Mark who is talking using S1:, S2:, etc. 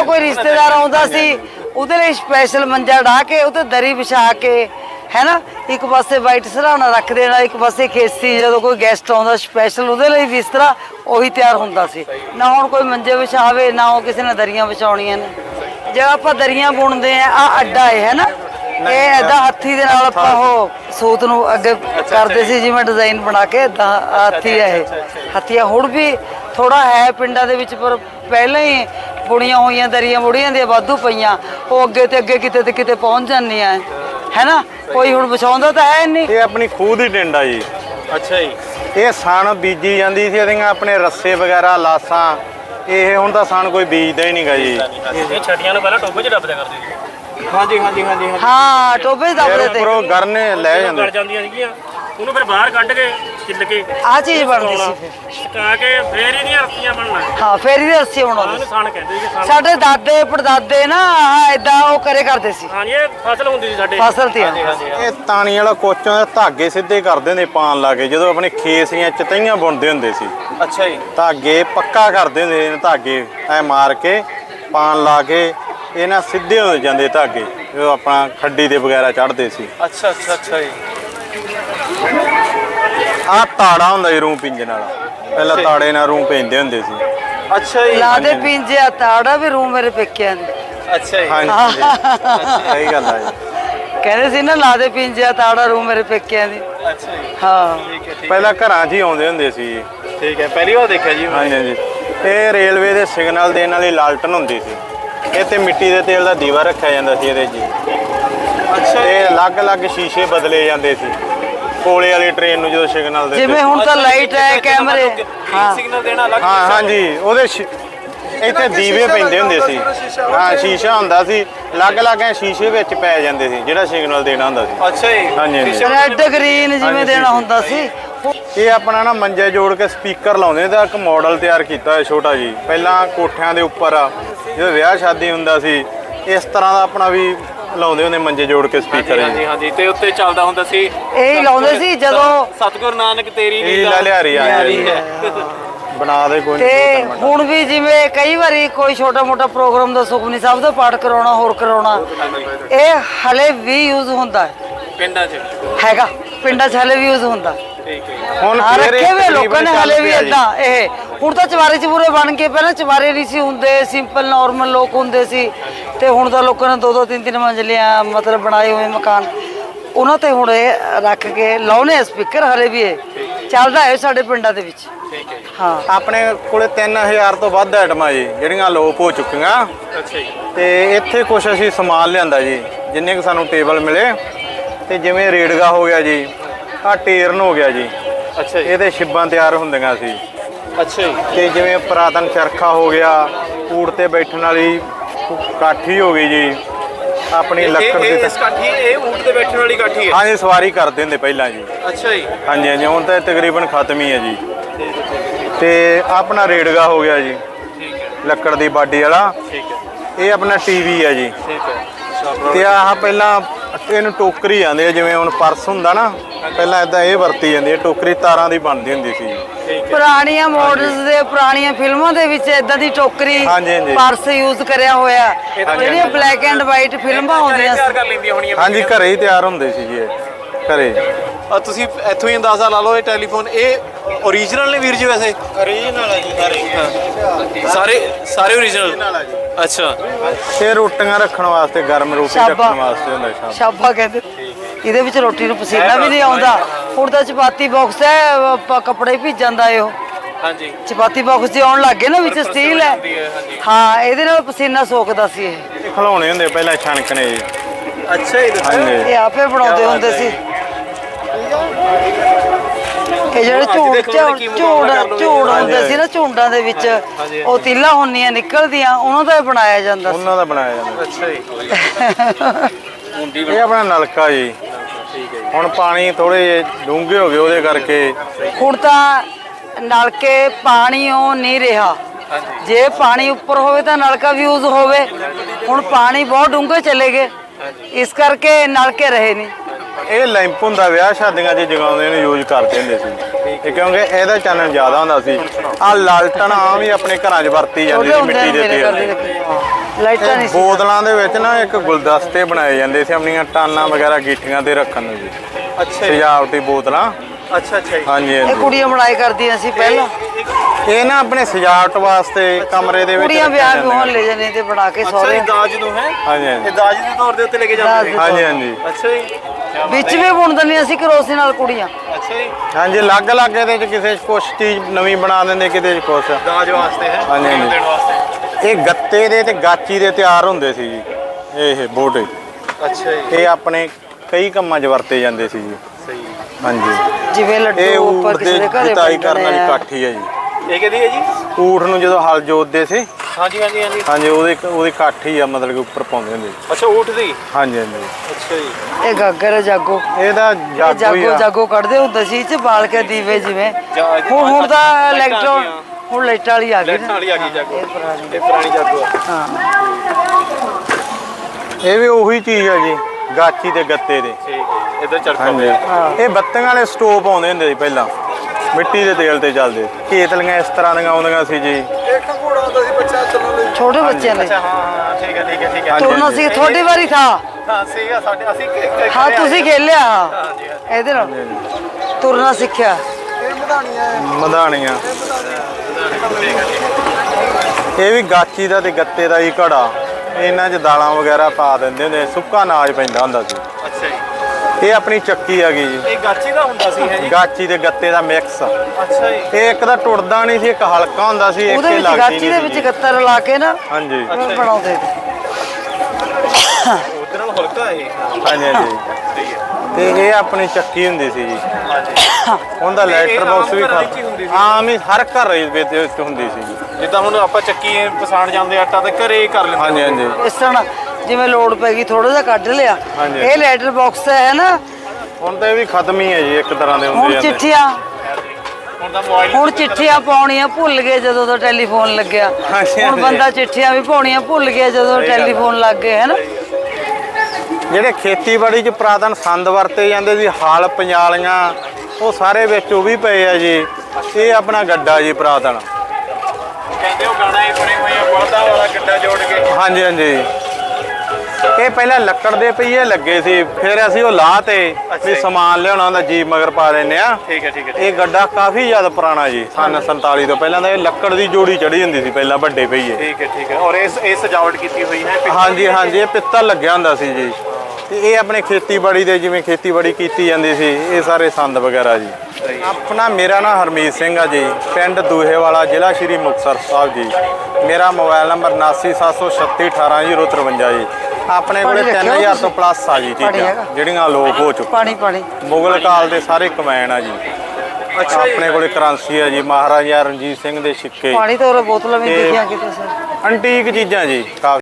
S1: ਜਦੋਂ ਕੋਈ ਰਿਸ਼ਤੇਦਾਰ ਆਉਂਦਾ ਸੀ ਉਹਦੇ ਲਈ ਸਪੈਸ਼ਲ ਮੰਜਾ ਢਾ ਕੇ ਉਹਤੇ ਦਰੀ ਵਿਛਾ ਕੇ ਹੈ ਨਾ, ਇੱਕ ਪਾਸੇ ਵਾਈਟ ਸਿਰਹਾਣਾ ਰੱਖ ਦੇਣਾ, ਇੱਕ ਪਾਸੇ ਖੇਸੀ। ਜਦੋਂ ਕੋਈ ਗੈਸਟ ਆਉਂਦਾ ਸਪੈਸ਼ਲ ਉਹਦੇ ਲਈ ਬਿਸਤਰਾ ਉਹੀ ਤਿਆਰ ਹੁੰਦਾ ਸੀ। ਨਾ ਹੁਣ ਕੋਈ ਮੰਜੇ ਵਿਛਾਵੇ, ਨਾ ਉਹ ਕਿਸੇ ਨੇ ਦਰੀਆਂ ਵਿਛਾਉਣੀਆਂ ਨੇ। ਜੇ ਆਪਾਂ ਦਰੀਆਂ ਬੁਣਦੇ ਆ ਅੱਡਾ ਹੈ ਨਾ, ਇਹ ਏਦਾਂ ਹੱਥੀ ਦੇ ਨਾਲ ਆਪਾਂ ਉਹ ਸੂਤ ਨੂੰ ਅੱਗੇ ਕਰਦੇ ਸੀ, ਜਿਵੇਂ ਡਿਜ਼ਾਈਨ ਬਣਾ ਕੇ ਏਦਾਂ ਹੱਥੀ ਆ। ਇਹ ਹੱਥੀਆਂ ਹੁਣ ਵੀ ਥੋੜਾ ਹੈ ਪਿੰਡਾਂ ਦੇ ਵਿੱਚ, ਪਰ ਪਹਿਲਾਂ ਹੀ ਬੁਣੀਆਂ ਹੋਈਆਂ ਦਰੀਆਂ ਬੁੜੀਆਂ ਦੀਆਂ ਵਾਧੂ ਪਈਆਂ, ਉਹ ਅੱਗੇ ਤੇ ਅੱਗੇ ਕਿਤੇ ਤੇ ਕਿਤੇ ਪਹੁੰਚ ਜਾਂਦੀਆਂ ਹੈ ਨਾ। ਕੋਈ ਹੁਣ ਵਿਛਾਉਂਦਾ ਤਾਂ ਹੈ ਨਹੀਂ।
S2: ਇਹ ਆਪਣੀ ਖੂਹ ਦੀ ਟਿੰਡ ਆ ਜੀ।
S3: ਅੱਛਾ ਜੀ।
S2: ਇਹ ਸਣ ਬੀਜੀ ਜਾਂਦੀ ਸੀ, ਇਹਦੀਆਂ ਆਪਣੇ ਰੱਸੇ ਵਗੈਰਾ ਲਾਸਾਂ। ਇਹ ਹੁਣ ਤਾਂ ਸਣ ਕੋਈ ਬੀਜਦਾ ਹੀ ਨਹੀਂਗਾ ਜੀ।
S3: ਇਹ ਛਟੀਆਂ ਨੂੰ ਪਹਿਲਾਂ ਟੋਬੇ 'ਚ ਡੱਬਦਿਆ ਕਰਦੇ ਸੀ। ਹਾਂਜੀ ਹਾਂਜੀ ਹਾਂਜੀ
S1: ਹਾਂ, ਟੋਬੇ ਦੱਬਦੇ ਤੇ
S2: ਉੱਪਰੋਂ ਗਰਨੇ ਲੈ ਜਾਂਦੇ
S3: ਜਾਂਦੀਆਂ ਸੀਗੀਆਂ, ਉਹਨੂੰ ਫਿਰ ਬਾਹਰ ਕੱਢ ਕੇ ਛਿੱਲ ਕੇ
S1: ਆ ਚੀਜ਼ ਬਣਦੀ ਸੀ ਫਿਰ,
S3: ਸੁਕਾ ਕੇ ਫੇਰ ਇਹਦੀਆਂ ਰੱਸੀਆਂ ਬਣਨਾ।
S1: ਹਾਂ, ਫੇਰ ਇਹਦੀ ਰੱਸੀ ਬਣਾਉਂਦੇ
S3: ਉਹਨੂੰ ਸਣ ਕਹਿੰਦੇ ਸੀ ਸਣ।
S1: ਸਾਡੇ ਦਾਦੇ ਪੜਦਾਦੇ ਨਾ ਏਦਾਂ ਉਹ ਕਰਦੇ ਸੀ।
S3: ਹਾਂਜੀ, ਇਹ ਫਸਲ ਹੁੰਦੀ ਸੀ ਸਾਡੇ
S1: ਫਸਲ ਤੇ
S2: ਇਹ ਤਾਣੀ ਵਾਲਾ ਕੋਚੋਂ ਦੇ ਧਾਗੇ ਸਿੱਧੇ ਕਰਦੇ ਹੁੰਦੇ ਪਾਣ ਲਾ ਕੇ, ਜਦੋਂ ਆਪਣੇ ਖੇਸੀਆਂ ਚਤਈਆਂ ਬੁਣਦੇ ਹੁੰਦੇ ਸੀ।
S3: ਅੱਛਾ ਜੀ।
S2: ਧਾਗੇ ਪੱਕਾ ਕਰਦੇ ਹੁੰਦੇ ਨੇ, ਧਾਗੇ ਐ ਮਾਰ ਕੇ ਪਾਣ ਲਾ ਕੇ ਇਹ ਨਾ ਸਿੱਧੇ ਹੋ ਜਾਂਦੇ ਧਾਗੇ, ਉਹ ਆਪਣਾ ਖੱਡੀ ਦੇ ਵਗੈਰਾ ਚੜ੍ਹਦੇ ਸੀ।
S3: ਅੱਛਾ ਅੱਛਾ ਅੱਛਾ ਜੀ।
S2: ਆਹ ਤਾੜਾ ਹੁੰਦਾ ਜੀ ਰੂੰ ਪਿੰਜਣ ਵਾਲਾ, ਪਹਿਲਾਂ ਤਾੜੇ ਨਾਲ ਰੂੰ ਪੈਂਦੇ ਹੁੰਦੇ ਸੀ।
S3: ਅੱਛਾ ਜੀ।
S1: ਲਾਦੇ ਪਿੰਜਿਆ ਤਾੜਾ ਵੀ ਰੂ ਮੇਰੇ ਪੇਕਿਆਂ ਨੇ।
S3: ਅੱਛਾ ਜੀ।
S2: ਹਾਂਜੀ ਸਹੀ ਗੱਲ ਆ ਜੀ।
S1: ਕਹਿੰਦੇ ਸੀ ਨਾ ਲਾਦੇ ਪਿੰਜਿਆ ਤਾੜਾ ਰੂ ਮੇਰੇ ਪੇਕਿਆਂ ਦੀ।
S3: ਅੱਛਾ ਜੀ।
S1: ਹਾਂ,
S3: ਠੀਕ ਹੈ ਠੀਕ।
S2: ਪਹਿਲਾਂ ਘਰਾਂ 'ਚ ਹੀ ਆਉਂਦੇ ਹੁੰਦੇ ਸੀ।
S3: ਠੀਕ ਹੈ, ਪਹਿਲੀ ਵਾਰ ਦੇਖਿਆ ਜੀ।
S2: ਹਾਂਜੀ ਹਾਂਜੀ। ਇਹ ਰੇਲਵੇ ਦੇ ਸਿਗਨਲ ਦੇਣ ਵਾਲੀ ਲਾਲਟਨ ਹੁੰਦੀ ਸੀ। ਇਹ ਤੇ ਮਿੱਟੀ ਦੇ ਤੇਲ ਦਾ ਦੀਵਾ ਰੱਖਿਆ ਜਾਂਦਾ ਸੀ ਇਹਦੇ 'ਚ।
S3: ਅੱਛਾ।
S2: ਇਹ ਅਲੱਗ-ਅਲੱਗ ਸ਼ੀਸ਼ੇ ਬਦਲੇ ਜਾਂਦੇ ਸੀ ਕੋਲੇ ਵਾਲੀ ਟ੍ਰੇਨ ਨੂੰ ਜਦੋਂ ਸਿਗਨਲ ਦੇ।
S1: ਜਿਵੇਂ ਹੁਣ ਤਾਂ ਲਾਈਟ ਹੈ, ਕੈਮਰੇ। ਹਾਂ,
S3: ਸਿਗਨਲ ਦੇਣਾ ਅਲੱਗ।
S2: ਹਾਂ ਹਾਂਜੀ, ਉਹਦੇ ਇੱਥੇ ਦੀਵੇ ਪੈਂਦੇ ਹੁੰਦੇ ਸੀ। ਹਾਂ, ਸ਼ੀਸ਼ਾ ਹੁੰਦਾ ਸੀ, ਅਲੱਗ-ਅਲੱਗ ਸ਼ੀਸ਼ੇ ਵਿੱਚ ਪੈ ਜਾਂਦੇ ਸੀ ਜਿਹੜਾ ਸਿਗਨਲ ਦੇਣਾ ਹੁੰਦਾ ਸੀ।
S3: ਅੱਛਾ ਜੀ।
S2: ਹਾਂਜੀ ਹਾਂਜੀ।
S1: ਰੈੱਡ ਗ੍ਰੀਨ ਜਿਵੇਂ ਦੇਣਾ ਹੁੰਦਾ ਸੀ।
S2: ਇਹ ਆਪਣਾ ਨਾ ਮੰਜੇ ਜੋੜ ਕੇ ਸਪੀਕਰ ਲਾਉਂਦੇ ਤਾਂ ਇੱਕ ਮਾਡਲ ਤਿਆਰ ਕੀਤਾ ਹੈ ਛੋਟਾ ਜੀ। ਪਹਿਲਾਂ ਕੋਠਿਆਂ ਦੇ ਉੱਪਰ ਜਦੋਂ ਵਿਆਹ ਸ਼ਾਦੀ ਹੁੰਦਾ ਸੀ ਇਸ ਤਰ੍ਹਾਂ ਦਾ ਆਪਣਾ ਵੀ ਲਾਉਂਦੇ ਹੁੰਦੇ ਮੰਜੇ ਜੋੜ ਕੇ ਸਪੀਕਰ।
S3: ਹਾਂਜੀ ਹਾਂਜੀ। ਤੇ ਉੱਤੇ ਚੱਲਦਾ ਹੁੰਦਾ ਸੀ,
S1: ਇਹ ਹੀ ਲਾਉਂਦੇ ਸੀ ਜਦੋਂ
S3: ਸਤਿਗੁਰੂ ਨਾਨਕ ਤੇਰੀ
S2: ਇਹ ਲੈ ਲਿਆਰੀ ਆ ਬਣਾ ਦੇ ਕੋਈ
S1: ਤੇ ਹੁਣ ਵੀ ਜਿਵੇਂ ਕਈ ਵਾਰੀ ਕੋਈ ਛੋਟਾ ਮੋਟਾ ਪ੍ਰੋਗਰਾਮ ਦਾ ਸੁਖਮਨੀ ਸਾਹਿਬ ਦਾ ਪਾਠ ਕਰਾਉਣਾ, ਹੋਰ ਕਰਾਉਣਾ, ਇਹ ਹਲੇ ਵੀ ਯੂਜ਼ ਹੁੰਦਾ
S3: ਪਿੰਡਾਂ 'ਚ
S1: ਹੈਗਾ। ਪਿੰਡਾਂ 'ਚ ਹਲੇ ਵੀ ਯੂਜ਼ ਹੁੰਦਾ।
S3: ਠੀਕ ਹੈ।
S2: ਹੁਣ
S1: ਹਾਂ,
S2: ਫੇਰ
S1: ਰੱਖੇ ਵੇ
S2: ਇਹ
S1: ਲੋਕਾਂ ਨੇ
S2: ਤਕਰੀਬਨ
S1: ਹਲੇ ਵੀ
S2: ਚੱਲ ਪਿਆ
S1: ਏਦਾਂ। ਇਹ ਹੁਣ ਤਾਂ ਚਵਾਰੇ ਚਬੂਰੇ ਬਣ ਕੇ, ਪਹਿਲਾਂ ਚਵਾਰੇ ਨਹੀਂ ਸੀ ਹੁੰਦੇ, ਸਿੰਪਲ ਨਾਰਮਲ ਲੋਕ ਹੁੰਦੇ ਸੀ, ਤੇ ਹੁਣ ਤਾਂ ਲੋਕਾਂ ਨੇ 2-2 3-3 ਮੰਜ਼ਲੀਆਂ ਮਤਲਬ ਬਣਾਏ ਹੋਏ ਮਕਾਨ, ਉਹਨਾਂ ਤੇ ਹੁਣ ਇਹ ਰੱਖ ਕੇ ਲਾਉਣੇ ਸਪੀਕਰ। ਹਲੇ ਵੀ ਇਹ ਚੱਲਦਾ ਹੈ ਸਾਡੇ ਪਿੰਡਾਂ ਦੇ ਵਿੱਚ।
S3: ਠੀਕ ਹੈ।
S1: ਹਾਂ,
S2: ਆਪਣੇ ਕੋਲੇ 3000 ਤੋਂ ਵੱਧ ਆਈਟਮਾਂ ਜੀ ਜਿਹੜੀਆਂ ਲੋਪ ਹੋ ਚੁੱਕੀਆਂ।
S3: ਅੱਛਾ ਜੀ।
S2: ਤੇ ਇੱਥੇ ਕੁਝ ਅਸੀਂ ਸਮਾਨ ਲਿਆਂਦਾ ਜੀ, ਜਿੰਨੇ ਕੁ ਸਾਨੂੰ ਟੇਬਲ ਮਿਲੇ। ਤੇ ਜਿਵੇਂ ਰੇੜਗਾ ਹੋ ਗਿਆ ਜੀ, ਆਹ ਟੇਰਨ ਹੋ ਗਿਆ ਜੀ,
S3: ਅੱਛਾ ਜੀ।
S2: ਇਹਦੇ ਛਿੱਬਾਂ ਤਿਆਰ ਹੁੰਦੀਆਂ ਸੀ।
S3: ਅੱਛਾ ਜੀ।
S2: ਤੇ ਜਿਵੇਂ ਪੁਰਾਤਨ ਚਰਖਾ ਹੋ ਗਿਆ, ਊਠ ਤੇ ਬੈਠਣ ਵਾਲੀ ਕਾਠੀ ਹੋ ਗਈ ਜੀ, ਆਪਣੀ ਲੱਕੜ ਦੀ।
S3: ਇਸ ਕਾਠੀ, ਇਹ ਊਂਟ ਤੇ ਬੈਠਣ ਵਾਲੀ ਕਾਠੀ ਹੈ।
S2: ਹਾਂਜੀ, ਸਵਾਰੀ ਕਰਦੇ ਹੁੰਦੇ ਪਹਿਲਾਂ ਜੀ।
S3: ਅੱਛਾ ਜੀ।
S2: ਹਾਂਜੀ ਹਾਂਜੀ, ਹੁਣ ਤਾਂ ਇਹ ਤਕਰੀਬਨ ਖਤਮ ਹੀ ਹੈ ਜੀ। ਤੇ ਆਪਣਾ ਰੇੜਗਾ ਹੋ ਗਿਆ ਜੀ,
S3: ਠੀਕ ਹੈ
S2: ਲੱਕੜ ਦੀ ਬਾਡੀ ਵਾਲਾ।
S3: ਠੀਕ ਹੈ
S2: ਇਹ ਆਪਣਾ ਟੀਵੀ ਹੈ ਜੀ।
S3: ਠੀਕ ਹੈ।
S2: ਤੇ ਆਹ ਪਹਿਲਾਂ ਇਹਨੂੰ ਟੋਕਰੀ ਜਾਂਦੇ ਆ, ਜਿਵੇਂ ਹੁਣ ਪਰਸ ਹੁੰਦਾ ਨਾ, ਪਹਿਲਾਂ ਇਦਾਂ ਇਹ ਵਰਤੀ ਜਾਂਦੀ ਹੈ ਟੋਕਰੀ, ਤਾਰਾਂ ਦੀ ਬਣਦੀ ਹੁੰਦੀ ਸੀ।
S1: ਪੁਰਾਣੀਆਂ ਮਾਡਲਸ ਦੇ ਪੁਰਾਣੀਆਂ ਫਿਲਮਾਂ ਦੇ ਵਿੱਚ ਇਦਾਂ ਦੀ ਟੋਕਰੀ,
S2: ਹਾਂਜੀ, ਹਾਂਜੀ।
S1: ਪਰਸ ਯੂਜ਼ ਕਰਿਆ ਹੋਇਆ। ਜਿਹੜੀਆਂ ਬਲੈਕ ਐਂਡ ਵਾਈਟ ਫਿਲਮਾਂ ਆਉਂਦੀਆਂ
S3: ਤਿਆਰ
S1: ਸੀ,
S3: ਕਰ ਲੈਂਦੀਆਂ ਹੋਣੀਆਂ।
S2: ਹਾਂਜੀ, ਘਰੇ ਹੀ ਤਿਆਰ ਹੁੰਦੇ ਸੀ ਜੀ ਇਹ, ਘਰੇ।
S3: ਤੁਸੀਂ ਇੱਥੋਂ ਹੀ ਅੰਦਾਜ਼ਾ ਲਾ ਲਓ, ਇਹ ਟੈਲੀਫੋਨ ਇਹ ਓਰੀਜਨਲ ਨੇ ਵੀਰ ਜੀ? ਵੈਸੇ
S2: ਓਰੀਜਨਲ ਹੈ ਜੀ
S3: ਸਾਰੇ ਸਾਰੇ ਓਰੀਜਨਲ। ਅੱਛਾ।
S2: ਇਹ ਰੋਟੀਆਂ ਰੱਖਣ ਵਾਸਤੇ, ਗਰਮ ਰੋਟੀ ਰੱਖਣ ਵਾਸਤੇ ਹੁੰਦਾ ਸ਼ਾਮ।
S1: ਸ਼ਾਬਾ ਕਹਿੰਦੇ। ਇਹਦੇ ਵਿੱਚ ਰੋਟੀ ਨੂੰ ਪਸੀਨਾ ਵੀ ਨਹੀਂ ਆਉਂਦਾ। ਹੁਣ ਤਾਂ ਚਪਾਤੀ ਬਾਕਸ ਹੈ, ਕੱਪੜੇ ਭਿੱਜ ਜਾਂਦਾ ਇਹੋ।
S3: ਹਾਂਜੀ।
S1: ਚਪਾਤੀ ਬਾਕਸ ਜੇ ਆਉਣ ਲੱਗੇ ਨਾ, ਵਿੱਚ ਸਟੀਲ ਹੈ। ਹਾਂ, ਇਹਦੇ ਨਾਲ ਪਸੀਨਾ ਸੋਕਦਾ ਸੀ। ਇਹ
S2: ਖਿਲਾਉਣੇ ਹੁੰਦੇ ਪਹਿਲਾਂ ਛਣਕਣੇ ਜੀ।
S3: ਅੱਛਾ ਜੀ।
S2: ਹਾਂਜੀ,
S1: ਇਹ ਆਪੇ ਬਣਾਉਂਦੇ ਹੁੰਦੇ ਸੀ। ਇਹ ਜਿਹੜੇ ਝੂੜ ਹੁੰਦੇ ਸੀ ਨਾ, ਝੂੰਡਾਂ ਦੇ ਵਿੱਚ ਉਹ ਤੀਲਾ ਹੁੰਦੀਆਂ ਨਿਕਲਦੀਆਂ, ਉਹਨਾਂ ਦਾ ਬਣਾਇਆ ਜਾਂਦਾ ਸੀ।
S2: ਉਹਨਾਂ ਦਾ ਬਣਾਇਆ ਜਾਂਦਾ।
S3: ਅੱਛਾ ਜੀ।
S2: ਇਹ ਆਪਣਾ ਨਲਕਾ ਜੀ। ਹੁਣ ਪਾਣੀ ਥੋੜੇ ਜਿਹੇ ਡੂੰਘੇ ਹੋ ਗਏ, ਉਹਦੇ ਕਰਕੇ
S1: ਹੁਣ ਤਾਂ ਨਲਕੇ ਪਾਣੀ ਉਹ ਨਹੀਂ ਰਿਹਾ। ਜੇ ਪਾਣੀ ਉੱਪਰ ਹੋਵੇ ਤਾਂ ਨਲਕਾ ਵੀ ਯੂਜ਼ ਹੋਵੇ। ਹੁਣ ਪਾਣੀ ਬਹੁਤ ਡੂੰਘੇ ਚਲੇ ਗਏ, ਇਸ ਕਰਕੇ ਨਲਕੇ ਰਹੇ ਨਹੀਂ।
S2: ਇਹ ਲੈਂਪ ਹੁੰਦਾ ਵਿਆਹ ਸ਼ਾਦੀਆਂ 'ਚ ਜਗਾਉਂਦੇ ਨੂੰ ਯੂਜ਼ ਕਰਦੇ ਹੁੰਦੇ ਸੀ ਇਹ ਕਿਉਂਕਿ ਇਹਦਾ ਚਾਨਣ ਜ਼ਿਆਦਾ ਹੁੰਦਾ ਸੀ। ਆ ਲਾਲਟਣ ਆਮ ਹੀ ਆਪਣੇ ਘਰਾਂ 'ਚ ਵਰਤੀ ਜਾਂਦੀ ਸੀ ਮਿੱਟੀ ਦੇ ਤੇਲ ਦੀ।
S1: ਲਾਈਟਾਂ ਨਹੀਂ ਸੀ।
S2: ਬੋਤਲਾਂ ਦੇ ਵਿੱਚ ਨਾ ਇੱਕ ਗੁਲਦਸਤੇ ਬਣਾਏ ਜਾਂਦੇ ਸੀ ਆਪਣੀਆਂ ਟਾਨਾਂ ਵਗੈਰਾ ਗੀਠੀਆਂ ਤੇ ਰੱਖਣ ਨੂੰ ਜੀ।
S3: ਅੱਛਾ
S2: ਸਜਾਵਟੀ ਬੋਤਲਾਂ।
S3: ਅੱਛਾ ਜੀ
S2: ਹਾਂਜੀ
S1: ਇਹ
S2: ਹਾਂਜੀ।
S1: ਕੁੜੀਆਂ ਬਣਾਈ ਕਰਦੀਆਂ ਸੀ ਪਹਿਲਾਂ।
S2: ਇਹ ਨਾ ਆਪਣੇ ਸਜਾਵਟ ਵਾਸਤੇ ਕਮਰੇ ਦੇ ਵਿੱਚ
S1: ਕੁੜੀਆਂ
S2: ਰੱਖਿਆ
S1: ਵਿਆਹ
S2: ਜਾਂਦਾ
S1: ਵਿਆਹ
S2: ਹੈ।
S1: ਲੈ ਜਾਂਦੇ ਤੇ ਬਣਾ ਕੇ
S3: ਅੱਛਾ
S1: ਸਹੁਰੇ
S3: ਜੀ ਦਾਜ ਨੂੰ ਹੈ
S2: ਹਾਂਜੀ ਹਾਂਜੀ
S3: ਇਹ ਦਾਜ ਦੇ ਤੌਰ ਦੇ ਉੱਤੇ ਲੈ ਕੇ ਜਾਂਦੇ ਨੇ।
S2: ਹਾਂਜੀ ਹਾਂਜੀ
S3: ਅੱਛਾ ਜੀ
S1: ਵਿੱਚ ਵੀ ਬੁਣ ਦਿੰਦੀਆਂ ਸੀ ਕਰੋਸੀ ਨਾਲ ਕੁੜੀਆਂ।
S3: ਅੱਛਾ ਜੀ
S2: ਹਾਂਜੀ ਅਲੱਗ-ਅਲੱਗ ਇਹਦੇ ਚ ਕਿਸੇ 'ਚ ਕੁਛ ਚੀਜ਼ ਨਵੀਂ ਬਣਾ ਦਿੰਦੇ ਕਿਤੇ 'ਚ ਕੁਛ।
S3: ਦਾਜ ਵਾਸਤੇ ਹੈ
S2: ਹਾਂਜੀ, ਹਾਂਜੀ।
S3: ਦੇਣ ਵਾਸਤੇ।
S2: ਇਹ ਗੱਤੇ ਦੇ ਤੇ ਗਾਚੀ ਦੇ ਤਿਆਰ ਹੁੰਦੇ ਸੀ ਜੀ ਇਹ ਬੋਟੇ।
S3: ਅੱਛਾ ਜੀ
S2: ਇਹ ਆਪਣੇ ਕਈ ਕੰਮਾਂ 'ਚ ਵਰਤੇ ਜਾਂਦੇ ਸੀ ਜੀ।
S3: ਸਹੀ
S2: ਹਾਂਜੀ
S1: ਜਿਵੇਂ
S2: ਇਹ
S1: ਲੱਡੂ
S2: ਊਠ
S1: ਉੱਪਰ ਕਿਸੇ
S2: ਦੇ
S1: ਦੇ ਘਰੇ
S2: ਜੁਤਾਈ ਕਰਨ ਵਾਲੀ
S1: ਬਣਦੇ ਆ।
S2: ਕਾਠੀ ਹੈ ਜੀ।
S3: ਇਹ ਕਿਹਦੀ ਹੈ ਜੀ?
S2: ਊਠ ਨੂੰ ਜਦੋਂ ਹਲ ਜੋਤਦੇ ਸੀ
S3: ਹਾਂਜੀ ਹਾਂਜੀ ਹਾਂਜੀ
S2: ਹਾਂਜੀ ਉਹਦੀ ਕਾਠੀ ਆ ਮਤਲਬ ਕਿ ਉੱਪਰ ਪਾਉਂਦੇ ਹੁੰਦੇ ਸੀ।
S3: ਅੱਛਾ ਊਠ ਦੀ।
S2: ਹਾਂਜੀ ਹਾਂਜੀ
S3: ਅੱਛਾ ਜੀ
S1: ਇਹ ਗਾਗਰ ਜਾਗੋ।
S2: ਇਹਦਾ
S1: ਇਹ
S2: ਜਾਗੋ ਹੀ
S1: ਜਾਗੋ
S2: ਆ।
S1: ਜਾਗੋ ਕੱਢਦੇ ਹੁੰਦੇ ਸੀ ਚ ਬਾਲ ਕੇ ਦੀਵੇ ਜਿਵੇਂ।
S3: ਜਾ-
S1: ਹੁਣ ਤਾਂ
S3: ਲਾਈਟਾਂ
S1: ਇਲੈਕਟ੍ਰੋਨ
S3: ਆ
S1: ਹੁਣ ਲਾਈਟਾਂ ਵਾਲੀ ਆ ਗਈ
S3: ਲੈਟਾਂ ਵਾਲੀ ਆ ਗਈ ਜਾਗੋ।
S1: ਇਹ ਪੁਰਾਣੀ।
S3: ਇਹ ਪੁਰਾਣੀ ਜਾਗੋ ਆ।
S1: ਹਾਂ
S2: ਇਹ ਵੀ ਉਹੀ ਚੀਜ਼ ਆ ਜੀ ਗਾਚੀ ਤੇ ਗੱਤੇ ਦੇ।
S3: ਠੀਕ ਹੈ ਇਧਰ ਚਰਖਾ
S2: ਹਾਂਜੀ
S3: ਹੋਇਆ।
S2: ਇਹ ਬੱਤੀਆਂ ਵਾਲੇ ਸਟੋਵ ਆਉਂਦੇ ਹੁੰਦੇ ਸੀ ਪਹਿਲਾਂ ਮਿੱਟੀ ਦੇ ਤੇਲ ਤੇ ਚੱਲਦੇ ਸੀ। ਕੇਤਲੀਆਂ ਇਸ ਤਰ੍ਹਾਂ ਦੀਆਂ ਆਉਂਦੀਆਂ ਸੀ ਜੀ।
S3: ਇੱਕ ਘੋੜਾ ਹੁੰਦਾ ਸੀ ਬੱਚਾ ਚੱਲਣ ਲਈ।
S1: ਛੋਟੇ ਬੱਚਿਆਂ ਲਈ
S3: ਅੱਛਾ ਹਾਂ ਹਾਂ ਠੀਕ ਹੈ ਠੀਕ ਹੈ ਠੀਕ ਹੈ।
S2: ਹਾਂਜੀ,
S1: ਤੁਰਨਾ ਸੀ ਤੁਹਾਡੀ ਵਾਰੀ ਥਾ।
S3: ਹਾਂ ਸੀਗਾ ਸਾਡੇ ਅਸੀਂ
S1: ਹਾਂ ਤੁਸੀਂ ਖੇਲਿਆ
S3: ਹਾਂਜੀ
S1: ਇਹਦੇ ਨਾਲ ਤੁਰਨਾ ਸਿੱਖਿਆ।
S2: ਮਧਾਣੀਆਂ ਇਹ ਵੀ ਗਾਚੀ ਦਾ ਤੇ ਗੱਤੇ ਦਾ ਹੀ ਘੜਾ। ਇਹਨਾਂ 'ਚ ਦਾਲਾਂ ਵਗੈਰਾ ਪਾ ਦਿੰਦੇ ਹੁੰਦੇ ਸੁੱਕਾ ਅਨਾਜ ਪੈਂਦਾ ਹੁੰਦਾ ਸੀ।
S3: ਅੱਛਾ ਜੀ
S2: ਇਹ ਆਪਣੀ ਚੱਕੀ ਆ ਗਈ ਜੀ
S3: ਇਹ ਗਾਚੀ ਦਾ ਹੁੰਦਾ ਸੀ ਹੈ ਜੀ?
S2: ਗਾਚੀ ਤੇ ਗੱਤੇ ਦਾ ਮਿਕਸ।
S3: ਅੱਛਾ ਜੀ
S2: ਇਹ ਇੱਕ ਤਾਂ ਟੁੱਟਦਾ ਨਹੀਂ ਸੀ ਇੱਕ ਹਲਕਾ ਹੁੰਦਾ ਸੀ ਇੱਕ
S1: ਉਹਦੇ
S2: ਇਹ
S1: ਵਿੱਚ
S2: ਲੱਗਦੀ
S1: ਗਾਚੀ ਦੇ
S2: ਨਹੀਂ
S1: ਵਿੱਚ
S2: ਸੀ।
S1: ਗੱਤਰ ਲਾ ਕੇ ਨਾ
S2: ਹਾਂਜੀ
S3: ਅੱਛਾ ਜੀ।
S1: ਬਣਾਉਂਦੇ
S3: ਉਹਦੇ ਨਾਲ ਹਲਕਾ ਇਹ।
S2: ਹਾਂਜੀ ਹਾਂਜੀ
S3: ਸਹੀ ਹੈ
S2: ਤੇ ਇਹ ਆਪਣੀ ਚੱਕੀ ਹੁੰਦੀ ਸੀ ਜੀ।
S3: ਹਾਂਜੀ
S2: ਉਹਦਾ ਲੈਟਰ ਬਾਕਸ ਵੀ
S3: ਆਮ ਘਰਾਂ ਵਿੱਚ ਹੀ ਹੁੰਦੀ ਸੀ।
S2: ਆਮ ਹੀ ਹਰ ਘਰ ਵਿੱਚ ਹੁੰਦੀ ਸੀ ਜੀ।
S3: ਜਿੱਦਾਂ ਹੁਣ ਆਪਾਂ ਚੱਕੀ ਪਸਾਣ ਜਾਂਦੇ ਆਟਾ ਤੇ ਘਰੇ ਹੀ ਕਰ ਲੈਂਦੇ।
S2: ਹਾਂਜੀ ਹਾਂਜੀ
S1: ਇਸ ਤਰ੍ਹਾਂ ਜਿਵੇਂ ਲੋਡ ਪੈ ਗਈ ਥੋੜਾ ਜਿਹਾ ਕੱਢ ਲਿਆ।
S2: ਹਾਂਜੀ।
S1: ਇਹ ਲੈਟਰ ਬਾਕਸ ਹੈ ਨਾ।
S2: ਹੁਣ ਤਾਂ ਇਹ ਵੀ ਖਤਮ ਹੀ ਹੈ ਜੀ ਇੱਕ ਤਰ੍ਹਾਂ ਦੇ
S1: ਹੁਣ
S2: ਹੁੰਦੇ ਜਾਂਦੇ।
S1: ਚਿੱਠੀਆਂ
S3: ਹੁਣ ਤਾਂ ਮੋਬਾਈਲ
S1: ਹੁਣ ਚਿੱਠੀਆਂ ਪਾਉਣੀਆਂ ਭੁੱਲ ਗਏ ਜਦੋਂ ਦਾ ਟੈਲੀਫੋਨ ਲੱਗਿਆ।
S2: ਹਾਂਜੀ,
S1: ਹੁਣ
S2: ਹਾਂਜੀ।
S1: ਬੰਦਾ ਚਿੱਠੀਆਂ ਵੀ ਪਾਉਣੀਆਂ ਭੁੱਲ ਗਿਆ ਜਦੋਂ
S2: ਸਹੀ ਗੱਲ ਆ।
S1: ਟੈਲੀਫੋਨ ਲੱਗ ਗਏ ਹੈ ਨਾ।
S2: ਜਿਹੜੇ ਖੇਤੀਬਾੜੀ 'ਚ ਪੁਰਾਤਨ ਸੰਦ ਵਰਤੇ ਜਾਂਦੇ ਸੀ ਹਲ ਪੰਜਾਲੀਆਂ ਉਹ ਸਾਰੇ ਵਿੱਚ ਉਹ ਵੀ ਪਏ ਆ ਜੀ। ਇਹ ਆਪਣਾ ਗੱਡਾ ਜੀ ਪੁਰਾਤਨ।
S3: ਕਹਿੰਦੇ ਉਹ ਗਾਣਾ ਹੀ ਬਣੇ ਹੋਏ ਆ ਬਲਦਾਂ ਵਾਲਾ ਗੱਡਾ ਜੋੜ ਕੇ।
S2: ਹਾਂਜੀ ਹਾਂਜੀ ਇਹ ਪਹਿਲਾਂ ਲੱਕੜ ਦੇ ਪਹੀਏ ਲੱਗੇ ਸੀ ਫਿਰ ਅਸੀਂ ਉਹ ਲਾਹ ਤੇ ਵੀ ਸਮਾਨ ਲਿਆਉਣਾ ਹੁੰਦਾ ਜੀ ਮਗਰ ਪਾ ਦਿੰਦੇ ਆ।
S3: ਠੀਕ ਹੈ ਠੀਕ ਹੈ
S2: ਇਹ ਗੱਡਾ ਕਾਫੀ ਜ਼ਿਆਦਾ ਪੁਰਾਣਾ ਜੀ ਸਨ 47 ਤੋਂ ਪਹਿਲਾਂ ਦਾ ਇਹ ਲੱਕੜ ਦੀ ਜੋੜੀ ਚੜੀ ਹੁੰਦੀ ਸੀ ਪਹਿਲਾਂ ਵੱਡੇ ਪਹੀਏ।
S3: ਠੀਕ ਹੈ ਔਰ ਇਹ ਸਜਾਵਟ ਕੀਤੀ ਹੋਈ ਹੈ ਪਿੱਤਲ
S2: ਹਾਂਜੀ
S3: ਦੀ?
S2: ਹਾਂਜੀ ਇਹ ਪਿੱਤਲ ਲੱਗਿਆ ਹੁੰਦਾ ਸੀ ਜੀ। ਤੇ ਇਹ ਆਪਣੇ ਖੇਤੀਬਾੜੀ ਦੇ ਜਿਵੇਂ ਖੇਤੀਬਾੜੀ ਕੀਤੀ ਜਾਂਦੀ ਸੀ ਇਹ ਸਾਰੇ ਸੰਦ ਵਗੈਰਾ ਜੀ। ਆਪਣਾ ਮੇਰਾ ਨਾਮ ਹਰਮੀਤ ਸਿੰਘ ਆ ਜੀ ਪਿੰਡ ਦੂਹੇਵਾਲਾ ਜ਼ਿਲ੍ਹਾ ਸ਼੍ਰੀ ਮੁਕਤਸਰ ਸਾਹਿਬ ਜੀ। ਮੇਰਾ ਮੋਬਾਈਲ ਨੰਬਰ 8976368053 ਜੀ। ਆਪਣੇ ਕੋਲੇ 3000 ਤੋਂ ਪਲੱਸ ਆ ਜੀ ਚੀਜ਼ਾਂ ਜਿਹੜੀਆਂ ਲੋਪ ਹੋ ਚੁੱਕੀਆਂ।
S1: ਪਾਣੀ ਪਾਣੀ
S2: ਮੁਗਲ ਕਾਲ ਦੇ ਸਾਰੇ ਕਮੈਨ ਆ ਜੀ।
S3: ਅੱਛਾ
S2: ਆਪਣੇ ਕੋਲੇ ਕਰੰਸੀ ਆ ਜੀ ਮਹਾਰਾਜਾ ਰਣਜੀਤ ਸਿੰਘ ਦੇ ਸਿੱਕੇ
S1: ਪਾਣੀ ਤੋਂ ਬੋਤਲਾਂ ਵੀ ਦੇਖੀਆਂ ਕਿਤੇ ਸਰ।
S2: ਅੰਟੀਕ ਚੀਜ਼ਾਂ ਜੀ ਕਾਫੀ।